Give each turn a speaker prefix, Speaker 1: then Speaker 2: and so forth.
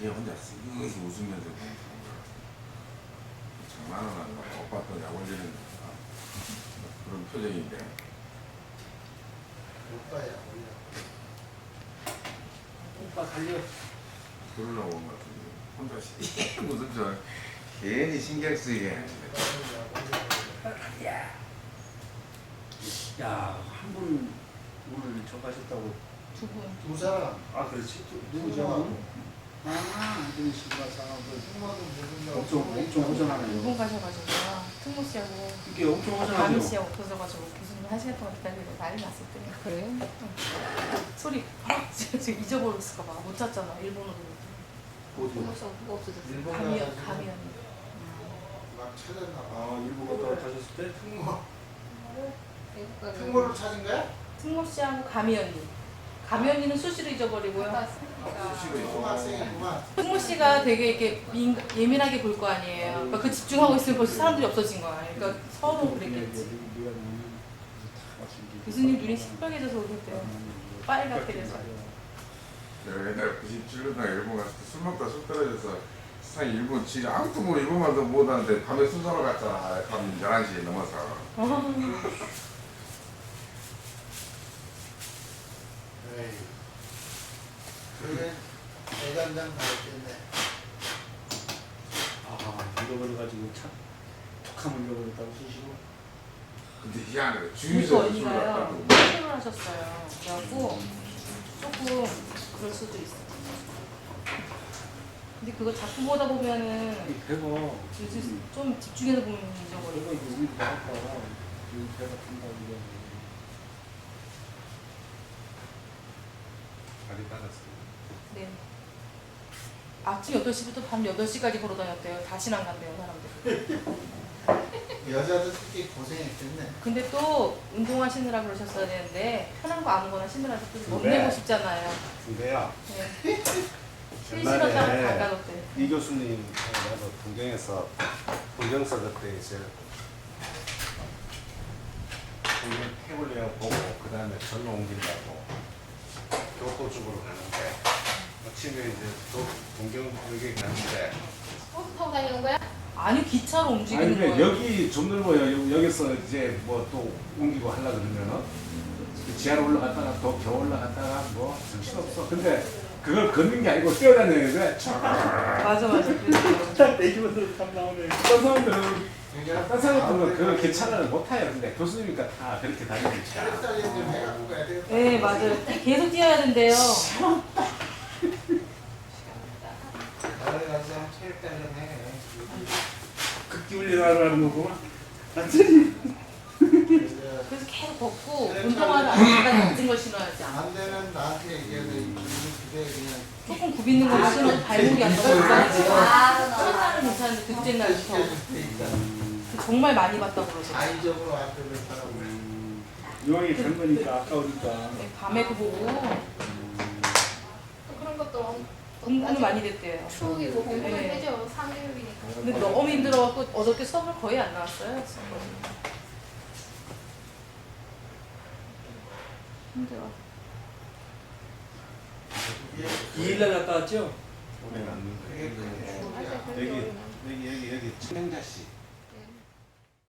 Speaker 1: 걔 혼자 쓱 웃으면서 장난을 하는 거야. 오빠 또 약 올리는 그런 표정인데.
Speaker 2: 오빠야 올려.
Speaker 3: 오빠 달려.
Speaker 1: 그러려고 온 것 같은데 혼자 무슨 저 괜히 신경 쓰이게.
Speaker 3: 야, 한 분 오늘 저 가셨다고.
Speaker 4: 두 분.
Speaker 2: 두 사람.
Speaker 3: 아, 그렇지.
Speaker 2: 누구죠?
Speaker 3: 아, 이분이 신가사.
Speaker 2: 승마도 무슨
Speaker 3: 엄청
Speaker 4: 두
Speaker 3: 허전하네요.
Speaker 4: 분 가셔가지고 특무 씨하고
Speaker 3: 이게 엄청
Speaker 4: 가미
Speaker 3: 허전하죠.
Speaker 4: 씨하고 없어져가지고 교수님 1시간 동안 기다리고 난리 났었더니. 그래요? 소리 지금 잊어버렸을까봐 못 찾잖아 일본어로.
Speaker 3: 어디?
Speaker 4: 특무 씨하고 누가 없어졌어?
Speaker 2: 일본
Speaker 4: 가미연
Speaker 2: 가가지고.
Speaker 4: 가미연.
Speaker 2: 막 찾았나 봐.
Speaker 3: 아, 일본 갔다 가셨을 때?
Speaker 2: 특무를 찾은 거야?
Speaker 4: 특무 씨하고 가미연이. 가미연이는 수시로 잊어버리고요.
Speaker 2: 고등학생이구만.
Speaker 4: 특무 씨가 되게 이렇게 예민하게 볼 거 아니에요. 그러니까 그 집중하고 있으면 벌써 사람들이 없어진 거야. 그러니까 서로 그랬겠지. 교수님 눈이 시뻘개져서 오셨대요. 빨갛게 돼서.
Speaker 1: 내가 옛날에 97년도에 일본 갔을 때 술 먹다 술 떨어져서 세상에 일본 진짜 아무도 모르고 일본말도 못하는데 밤에 순서로 갔잖아. 밤 11시 넘어서.
Speaker 2: 에이. 그래 대간장 다 있겠네.
Speaker 3: 아, 잃어버려가지고 참 툭하면 잃어버렸다고 쓰시고.
Speaker 1: 근데 희한해.
Speaker 4: 그러니까
Speaker 1: 주유소 술
Speaker 4: 언니가요.
Speaker 1: 갔다고.
Speaker 4: 퇴근을 하셨어요. 그래갖고 조금 그럴 수도 있어. 근데 그거 자꾸 보다 보면은
Speaker 3: 배가
Speaker 4: 요즘 좀 집중해서 보면
Speaker 3: 배가
Speaker 4: 잊어버리고.
Speaker 3: 이게 우리 나왔다. 여기 배가 탄다고 이게.
Speaker 1: 많이 받았어.
Speaker 4: 네. 아침 8시부터 밤 8시까지 걸어 다녔대요. 다시는 안 간대요, 사람들.
Speaker 2: 여자도 특히 고생했겠네.
Speaker 4: 근데 또 운동하시느라 그러셨어야 되는데 편한 거 아무거나 신으라서 못
Speaker 3: 네.
Speaker 4: 내고 싶잖아요.
Speaker 5: 근데요,
Speaker 4: 네. 실시간 따로 닦아줬대요.
Speaker 5: 이 교수님 나도 동경에서 동경서 그때 이제 동경 태블릿 보고 그 다음에 절로 옮긴다고 교토 쪽으로 가는데 아침에 이제 동경 여기 가는데
Speaker 6: 버스 타고 다니는 거야?
Speaker 4: 아니 기차로
Speaker 5: 아니
Speaker 4: 움직이는
Speaker 5: 근데
Speaker 4: 거예요.
Speaker 5: 여기 좀 넓어요. 여기서 이제 뭐 또 옮기고 하려 그러면은 지하로 올라갔다가 또 겨우 올라갔다가 뭐 정신없어. 근데 그걸 걷는 게 아니고 뛰어다니는 거야.
Speaker 4: 맞아. 그래서
Speaker 3: 딱 내기면서 딱 나오네.
Speaker 5: 딴 사람들은
Speaker 2: 그러니까
Speaker 5: 딴 사람들은 그 기차를 못 타요. 근데 교수님이니까 다 그렇게 다니니까.
Speaker 2: 체력단련 좀 해갖고 가야 되겠다.
Speaker 4: 네 맞아요. 계속 뛰어야 된대요.
Speaker 2: 나를 가서 한번 체력단련 해.
Speaker 3: 극기 훈련하라는 거구만. 완전히.
Speaker 4: 그래서 계속 걷고 운동화를 안에다가 낮은 걸 신어야지.
Speaker 2: 안 되면 나한테 얘기해야 돼. 우리 집에 그냥
Speaker 4: 조금 굽이는 거 신어도 발목이 안 떨어지잖아요.
Speaker 6: 아,
Speaker 4: 첫날은 괜찮은데 둘째 날부터
Speaker 2: 시켜줄 테니까.
Speaker 4: 정말 많이 봤다고 그러죠.
Speaker 2: 아이적으로 앞에를 하라고.
Speaker 3: 이왕이 간 거니까 아까우니까.
Speaker 4: 네, 밤에 그 보고
Speaker 6: 그런 것도
Speaker 4: 공부는 많이 됐대요.
Speaker 6: 추억이고 공부는
Speaker 4: 네.
Speaker 6: 되죠. 3교육이니까.
Speaker 4: 근데 너무 힘들어갖고 어저께 수업을 거의 안 나왔어요. 힘들어.
Speaker 3: 2일날 갔다 왔죠?
Speaker 5: 오래 갔는데
Speaker 2: 그게 큰 추억이야.
Speaker 5: 여기 친행자씨